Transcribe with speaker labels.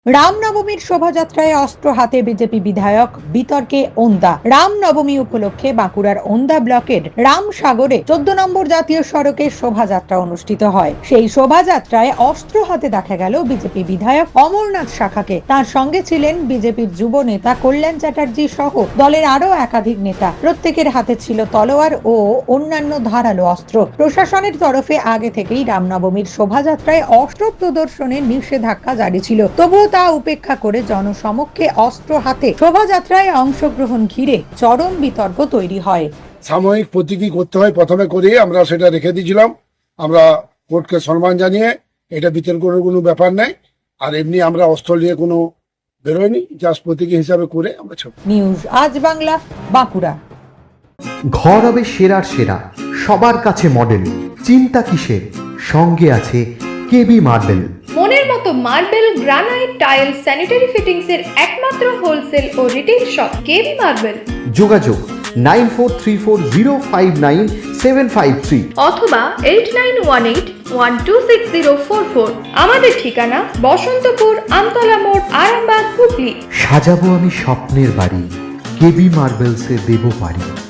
Speaker 1: রামনবমীর শোভাযাত্রায় অস্ত্র হাতে বিজেপি বিধায়ক, বিতর্কে ওন্দা। রামনবমী উপলক্ষে বাঁকুড়ার ওন্দা ব্লকের রামসাগরে 14 নম্বর জাতীয় সড়কে শোভাযাত্রা অনুষ্ঠিত হয়। সেই শোভাযাত্রায় অস্ত্র হাতে দেখা গেল বিজেপি বিধায়ক অমরনাথ শাখাকে। তার সঙ্গে ছিলেন বিজেপির যুব নেতা কল্যাণ চ্যাটার্জি সহ দলের আরো একাধিক নেতা। প্রত্যেকের হাতে ছিল তলোয়ার ও অন্যান্য ধারালো অস্ত্র। প্রশাসনের তরফে আগে থেকেই রামনবমীর শোভাযাত্রায় অস্ত্র প্রদর্শনের নিষেধাজ্ঞা জারি ছিল, তবুও তা উপেক্ষা করে জনসমক্ষে অস্ত্র হাতে শোভাযাত্রায় অংশগ্রহণ ঘিরে চরম বিতর্ক তৈরি হয়।
Speaker 2: সাময়িক প্রতীকী করতে হয়, প্রথমে করে আমরা সেটা রেখে দিয়েছিলাম। আমরা কোর্টকে সম্মান জানিয়ে এটা বিতর্কের কোনো ব্যাপার নেই, আর এমনি আমরা অস্ত্র নিয়ে কোনো বেরোয়নি, জাস্ট প্রতীকী হিসাবে করে আমরা ছেড়ে।
Speaker 1: নিউজ আজ বাংলা, বাঁকুড়া।
Speaker 3: ঘর হবে সেরার সেরা, সবার কাছে মডেল। চিন্তা কিসের, সঙ্গে আছে কেবি মার্বেল।
Speaker 4: মনের মতো marble, granite, tile, sanitary fittings এর একমাত্র হোলসেল ও রিটেল শপ কেবি মার্বেল।
Speaker 3: যোগাযোগ 9434059753
Speaker 4: অথবা 8918126044। আমাদের ঠিকানা বসন্তপুর, আমতলা মোড়, আরামবাগ, হুগলি।
Speaker 3: সাজাবো আমি স্বপ্নের বাড়ি, কেবি মার্বেলসে দেবো বাড়ি।